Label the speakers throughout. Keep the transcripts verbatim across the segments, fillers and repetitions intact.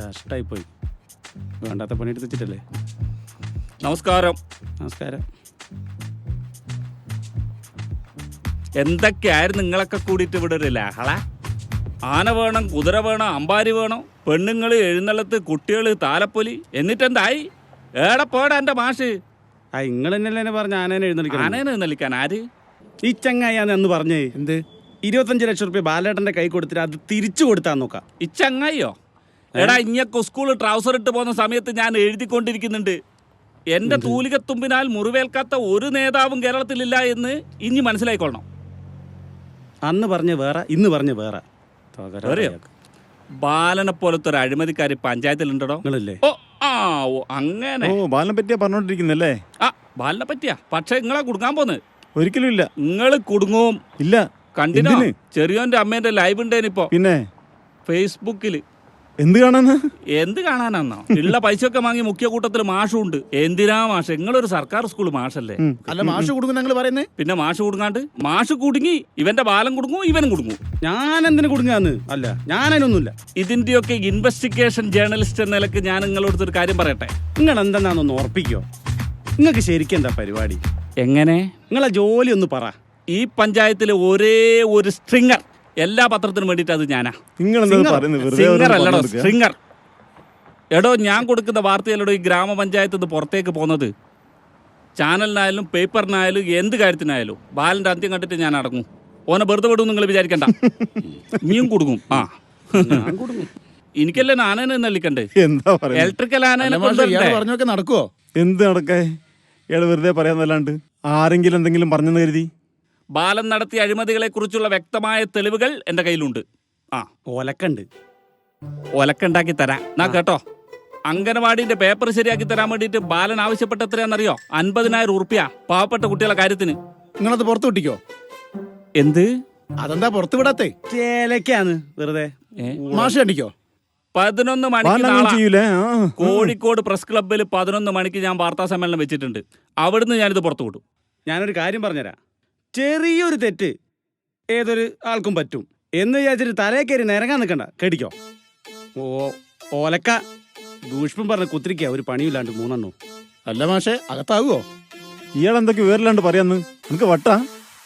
Speaker 1: കഷ്ടായി പോയി. വേണ്ടാത്ത പണി എടുത്തിട്ടല്ലേ.
Speaker 2: നമസ്കാരം.
Speaker 1: നമസ്കാരം.
Speaker 2: എന്തൊക്കെയായിരുന്നു നിങ്ങളൊക്കെ കൂടിയിട്ട് ഇവിടെ ഒരു ലഹള? ആന വേണം, കുതിര വേണം, അമ്പാരി വേണം, പെണ്ണുങ്ങൾ, എഴുന്നള്ളത്ത്, കുട്ടികൾ, താലപ്പൊലി. എന്നിട്ടെന്തായി? ഏടെ പോടാ എൻ്റെ മാഷ്.
Speaker 1: ആ നിങ്ങൾ തന്നെയല്ലേ പറഞ്ഞ ആനേനെ എഴുന്നള്ളിക്കാൻ?
Speaker 2: ആനേനെ എഴുന്നള്ളിക്കാൻ ആര്?
Speaker 1: ഈ ചങ്ങായിയാന്ന് എന്ന് പറഞ്ഞേ. എന്ത്? ഇരുപത്തഞ്ച് ലക്ഷം റുപ്യ ബാലേട്ടന്റെ കൈ കൊടുത്തിട്ട് അത് തിരിച്ചു കൊടുത്താൽ നോക്കാം.
Speaker 2: ഈ ചങ്ങായിയോ? എടാ, ഇങ്ങക്ക് സ്കൂൾ ട്രൗസർ ഇട്ട് പോകുന്ന സമയത്ത് ഞാൻ എഴുതിക്കൊണ്ടിരിക്കുന്നുണ്ട്, എന്റെ തൂലികത്തുമ്പിനാൽ മുറിവേൽക്കാത്ത ഒരു നേതാവും കേരളത്തിലില്ല എന്ന് ഇനി മനസ്സിലായിക്കൊള്ളണം.
Speaker 1: അന്ന് പറഞ്ഞ വേറെ, ഇന്ന് പറഞ്ഞ വേറെ.
Speaker 2: ബാലനെ പോലത്തെ ഒരു അഴിമതിക്കാരി പഞ്ചായത്തിലുണ്ടോ?
Speaker 1: നിങ്ങളല്ലേ?
Speaker 2: ഓ ആ ഓ അങ്ങനെ.
Speaker 3: ഓ, ബാലനെ പറ്റിയാ പറഞ്ഞോണ്ടിരിക്കുന്നല്ലേ?
Speaker 2: ആ, ബാലനെ പറ്റിയാ. പക്ഷെ നിങ്ങളെ കുടുങ്ങാൻ പോന്ന്.
Speaker 3: ഒരിക്കലും ഇല്ല.
Speaker 2: നിങ്ങള് കുടുങ്ങും.
Speaker 3: ഇല്ല.
Speaker 2: കണ്ടിനോ? ചെറിയോന്റെ അമ്മേന്റെ ലൈവ് ഉണ്ടേനിപ്പോ
Speaker 3: പിന്നെ
Speaker 2: ഫേസ്ബുക്കില്.
Speaker 3: എന്ത് കാണാനാ?
Speaker 2: എന്ത് കാണാനാന്നോ? ഉള്ള പൈസയൊക്കെ വാങ്ങി മുഖ്യ കൂട്ടത്തിൽ മാഷും ഉണ്ട്. എന്തിനാ മാഷ്? നിങ്ങളൊരു സർക്കാർ സ്കൂൾ മാഷല്ലേ?
Speaker 1: അല്ല, മാഷ് കുടുങ്ങും ഞങ്ങൾ പറയുന്നേ.
Speaker 2: പിന്നെ മാഷ് കുടുങ്ങാണ്ട്? മാഷ് കുടുങ്ങി, ഇവന്റെ ബാലം കുടുങ്ങും, ഇവനും കുടുങ്ങും.
Speaker 1: ഞാൻ എന്തിനു കുടുങ്ങാന്ന്? അല്ല, ഞാനതിനൊന്നുമില്ല.
Speaker 2: ഇതിന്റെയൊക്കെ ഇൻവെസ്റ്റിഗേഷൻ ജേർണലിസ്റ്റ് എന്ന നിലക്ക് ഞാൻ നിങ്ങളോട് ഒരു കാര്യം പറയട്ടെ.
Speaker 1: നിങ്ങൾ എന്തെന്നാന്നൊന്ന് ഉറപ്പിക്കോ? നിങ്ങൾക്ക് ശരിക്കും എന്താ പരിപാടി?
Speaker 2: എങ്ങനെ?
Speaker 1: നിങ്ങളെ ജോലി ഒന്ന് പറ.
Speaker 2: ഈ പഞ്ചായത്തിലെ ഒരേ ഒരു സ്ട്രിങ്ങർ എല്ലാ പത്രത്തിനും വേണ്ടിയിട്ട് അത് ഞാനാ. സിംഗർ അല്ലടോ, സ്ട്രിങ്ങർ. എടോ, ഞാൻ കൊടുക്കുന്ന വാർത്തയിലടോ ഈ ഗ്രാമപഞ്ചായത്ത് നിന്ന് പുറത്തേക്ക് പോകുന്നത്. ചാനലിനായാലും പേപ്പറിനായാലും എന്ത് കാര്യത്തിനായാലും ബാലന്റെ അന്ത്യം കണ്ടിട്ട് ഞാൻ അടങ്ങും. ഓനെ വെറുതെ വിടും നിങ്ങൾ വിചാരിക്കണ്ട. നീയും കൊടുക്കും. ആ, എനിക്കല്ലേ ആനേനെ നല്ലിക്കണ്ടേ? ഇലക്ട്രിക്കൽ ആനേനെ
Speaker 1: പറഞ്ഞൊക്കെ നടക്കുവോ?
Speaker 3: എന്ത് നടക്കേ? ഇയാള് വെറുതെ പറയാന്നല്ലാണ്ട് ആരെങ്കിലും എന്തെങ്കിലും പറഞ്ഞെന്ന് കരുതി?
Speaker 2: ബാലൻ നടത്തിയ അഴിമതികളെ കുറിച്ചുള്ള വ്യക്തമായ തെളിവുകൾ എന്റെ കയ്യിലുണ്ട്. ആ,
Speaker 1: ഓലക്കണ്ട്.
Speaker 2: ഒലക്കുണ്ടാക്കി തരാം. എന്നാ കേട്ടോ, അംഗനവാടിന്റെ പേപ്പർ ശരിയാക്കി തരാൻ വേണ്ടിയിട്ട് ബാലൻ ആവശ്യപ്പെട്ട എത്രയാണെന്നറിയോ? അൻപതിനായിരം ഉറുപ്പ്യ പാവപ്പെട്ട കുട്ടികളുടെ കാര്യത്തിന്.
Speaker 1: നിങ്ങളത് പുറത്തു വിട്ടിക്കോ?
Speaker 2: എന്ത്?
Speaker 1: അതെന്താ പുറത്തു വിടാത്തേ? ചേലക്കാന്ന് വെറുതെ. മാഷ് കണ്ടിക്കോ?
Speaker 2: പതിനൊന്ന് മണിക്ക് കോഴിക്കോട് പ്രസ് ക്ലബ്ബിൽ പതിനൊന്ന് മണിക്ക് ഞാൻ വാർത്താ സമ്മേളനം വെച്ചിട്ടുണ്ട്. അവിടുന്ന് ഞാനിത് പുറത്തു വിടും.
Speaker 1: ഞാനൊരു കാര്യം പറഞ്ഞുതരാം. ചെറിയൊരു തെറ്റ് ഏതൊരു ആൾക്കും പറ്റും എന്ന് വിചാരിച്ചിട്ട് തലേ കയറി നിരങ്ങാൻ നിൽക്കണ്ട. കേടിക്കോ? ഓ ഓലക്ക ദൂഷ്പം പറഞ്ഞ കുത്തിരിക്ക ഒരു പണിയില്ലാണ്ട് മൂന്നെണ്ണോ. അല്ല മാഷെ, അകത്താകുവോ?
Speaker 3: ഇയാൾ എന്തൊക്കെ വേറില്ലാണ്ട് പറയാന്ന്? നമുക്ക് വട്ടാ.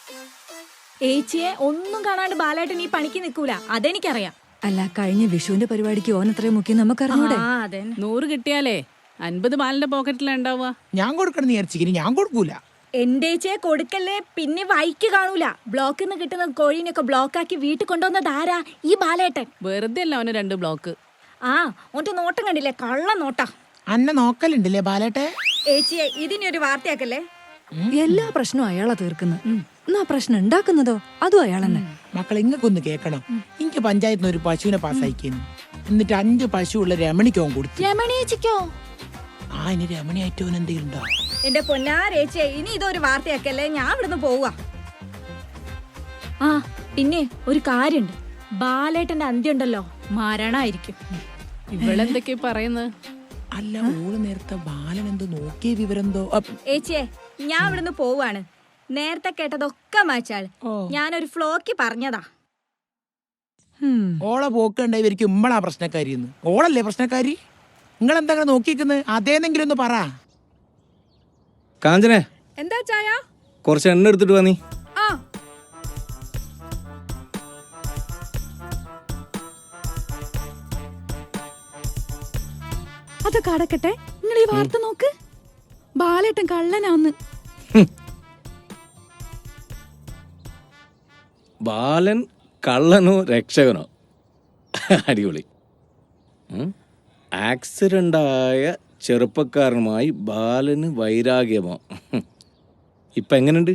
Speaker 4: ഏച്ചിയെ ഒന്നും കാണാണ്ട് ബാലേട്ടൻ ഈ പണിക്ക് നിൽക്കൂല, അതെനിക്കറിയാം.
Speaker 5: അല്ല, കഴിഞ്ഞ വിഷുവിന്റെ പരിപാടിക്ക് ഓൻ അത്രയും മുഖ്യം നമുക്കറിഞ്ഞൂടെ?
Speaker 6: നൂറ് കിട്ടിയാലേ അൻപത് ബാലിന്റെ പോക്കറ്റിലുണ്ടാവുക.
Speaker 7: ഞാൻ കൊടുക്കണം വിചാരിച്ചിരിക്കും, ഞാൻ കൊടുക്കൂല.
Speaker 4: എന്റെ ഏച്ചിയെ കൊടുക്കല്ലേ, പിന്നെ വൈക്ക് കാണൂല. ബ്ലോക്കിൽ നിന്ന് കിട്ടുന്ന കോഴീനൊക്കെ ബ്ലോക്കാക്കി വീട്ടിൽ കൊണ്ടുവന്നത് ആരാ? ഈ ബാലേട്ടൻ.
Speaker 6: വെറുതെ അല്ല അവന് രണ്ട് ബ്ലോക്ക്.
Speaker 4: ആ, ഓന്റെ നോട്ടം കണ്ടില്ലേ? കള്ള നോട്ടാ.
Speaker 7: അന്നെ നോക്കലുണ്ടല്ലേ ബാലേട്ടെ?
Speaker 4: ഏച്ചിയെ ഇതിനൊരു വാർത്തയാക്കല്ലേ.
Speaker 5: എല്ലാ പ്രശ്നവും അയാളാ തീർക്കുന്നത്. എന്നാ പ്രശ്നം ഉണ്ടാക്കുന്നതോ അതും അയാൾ തന്നെ.
Speaker 7: മക്കളെ, ഇങ്ങക്കൊന്ന് കേക്കണം. എനിക്ക് പഞ്ചായത്തിൽ നിന്ന് ഒരു പശുവിനെ പാസ്സായിക്കുന്നു. എന്നിട്ട് അഞ്ച് പശു ഉള്ള രമണിക്കോ കൊടുത്തു.
Speaker 4: രമണിയേച്ചിക്കോ?
Speaker 7: ആ, ഇനി രമണിയായിട്ടോ എന്തെങ്കിലും ഉണ്ടോ?
Speaker 4: എന്റെ പൊന്നാരേച്ചിയെ, ഇനി ഇതൊരു വാർത്തയാക്കല്ലേ. ഞാൻ ഇവിടുന്ന് പോവാ. ആ, പിന്നെ ഒരു കാര്യണ്ട്. ബാലേട്ടന്റെ അന്ത്യം ഉണ്ടല്ലോ, മരണായിരിക്കും.
Speaker 6: ഇവളെന്തൊക്കെ പറയുന്നത്?
Speaker 7: അല്ല, ഓള് നേരത്തെ ബാലൻ എന്തോ നോക്കിയ വിവരെന്തോ.
Speaker 4: ഏച്ചിയെ, ഞാൻ ഇവിടുന്ന് പോവാണ്. നേരത്തെ കേട്ടതൊക്കെ മാച്ചാൾ. ഞാനൊരു ഫ്ലോക്ക് പറഞ്ഞതാ.
Speaker 7: ഓളെ പോക്കുണ്ടായിരിക്കും ഇമ്മളാ പ്രശ്നക്കാരി. ഓളല്ലേ പ്രശ്നക്കാരി? നിങ്ങൾ എന്താ നോക്കിക്കുന്നത്? അതേന്നെങ്കിലും ഒന്ന് പറ.
Speaker 8: കാഞ്ചനെ,
Speaker 4: എന്താ ചായ?
Speaker 8: കുറച്ച് എണ്ണ എടുത്തിട്ട് വാ നീ.
Speaker 4: ആ,
Speaker 5: അതൊക്കെ അടക്കട്ടെ. നിങ്ങൾ ഈ വാർത്ത നോക്ക്. ബാലേട്ടൻ കള്ളനാന്ന്.
Speaker 8: ബാലൻ കള്ളനോ രക്ഷകനോ? അടിപൊളി. ആക്സിഡൻ്റായ ചെറുപ്പക്കാരനുമായി ബാലന് വൈരാഗ്യമോ? ഇപ്പം എങ്ങനെയുണ്ട്?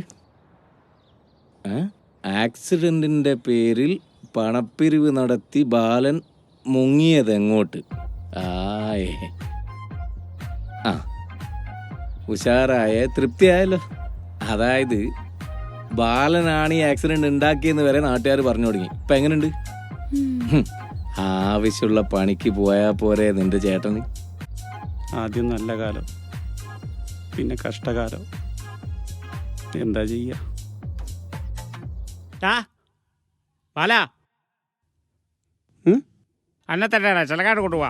Speaker 8: ആക്സിഡൻറ്റിൻ്റെ പേരിൽ പണപ്പിരിവ് നടത്തി ബാലൻ മുങ്ങിയതെങ്ങോട്ട്? ആയേ, ആ ഉഷാറായ, തൃപ്തിയായല്ലോ. അതായത് ബാലനാണ് ഈ ആക്സിഡന്റ് ഉണ്ടാക്കിയെന്ന് വരെ നാട്ടുകാർ പറഞ്ഞു തുടങ്ങി. ഇപ്പൊ എങ്ങനെയുണ്ട്? ആവശ്യമുള്ള പണിക്ക് പോയാ പോരെ നിന്റെ ചേട്ടന്?
Speaker 1: ആദ്യം നല്ല കാലം, പിന്നെ കഷ്ടകാലം. എന്താ ചെയ്യാ?
Speaker 9: അന്നെ തന്നെയാണ് ചിലക്കാട് കൊണ്ടുപോവാ.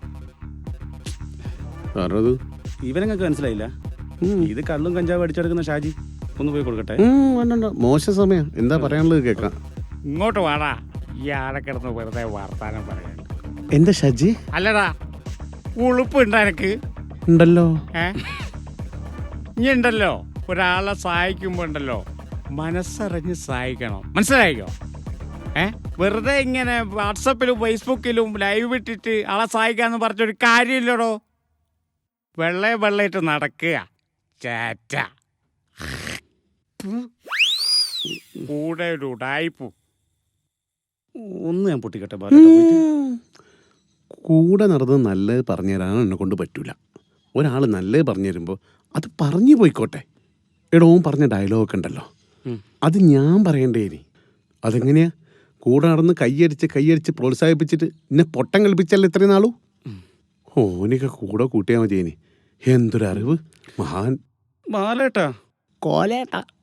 Speaker 3: പറഞ്ഞത്
Speaker 1: ഇവനങ്ങൾക്ക് മനസ്സിലായില്ല. ഇത് കള്ളും കഞ്ചാവ് അടിച്ചെടുക്കുന്ന ഷാജി. ഒന്ന് പോയി കൊടുക്കട്ടെ.
Speaker 3: മോശം സമയം. എന്താ പറയാനുള്ളത് കേൾക്കാം.
Speaker 9: ഇങ്ങോട്ട് വാടാ. ഈ ആടെ കിടന്ന് വെറുതെ വർത്താനം പറയാൻ.
Speaker 3: എന്താ ഷാജി?
Speaker 9: അല്ലടാ, ഉളുപ്പ് ഉണ്ടോ എനക്ക്?
Speaker 3: ഉണ്ടല്ലോ.
Speaker 9: ഏ ഇനി ഉണ്ടല്ലോ, ഒരാളെ സഹായിക്കുമ്പോ ഉണ്ടല്ലോ മനസ്സറിഞ്ഞ് സഹായിക്കണം. മനസ്സിലായിക്കോ? ഏ വെറുതെ ഇങ്ങനെ വാട്സപ്പിലും ഫേസ്ബുക്കിലും ലൈവ് ഇട്ടിട്ട് ആളെ സഹായിക്കാന്ന് പറഞ്ഞൊരു കാര്യമില്ലടോ. വെള്ളയെ വെള്ളയിട്ട് നടക്കുക ചേറ്റ. കൂടെ ഒരു ഉടായിപ്പു.
Speaker 1: ഒന്ന് ഞാൻ പൊട്ടിക്കട്ടെ ബാലേട്ട പോയിട്ട്.
Speaker 3: കൂടെ നടന്നത് നല്ലത് പറഞ്ഞു തരാൻ എന്നെ കൊണ്ട് പറ്റൂല. ഒരാൾ നല്ലത് പറഞ്ഞു തരുമ്പോൾ അത് പറഞ്ഞു പോയിക്കോട്ടെ. എടോ പറഞ്ഞ ഡയലോഗൊക്കെ ഉണ്ടല്ലോ, അത് ഞാൻ പറയണ്ടേ ഇനി? അതെങ്ങനെയാ? കൂടെ നടന്ന് കൈയടിച്ച് കൈയടിച്ച് പ്രോത്സാഹിപ്പിച്ചിട്ട് എന്നെ പൊട്ടം കളിപ്പിച്ചല്ലേ ഇത്രയും നാളൂ? ഓനിക്ക് കൂടെ കൂട്ടിയാൽ മതി. ഇനി എന്തൊരറിവ്! മഹാൻ
Speaker 1: ബാലേട്ടാ
Speaker 7: കോലേട്ട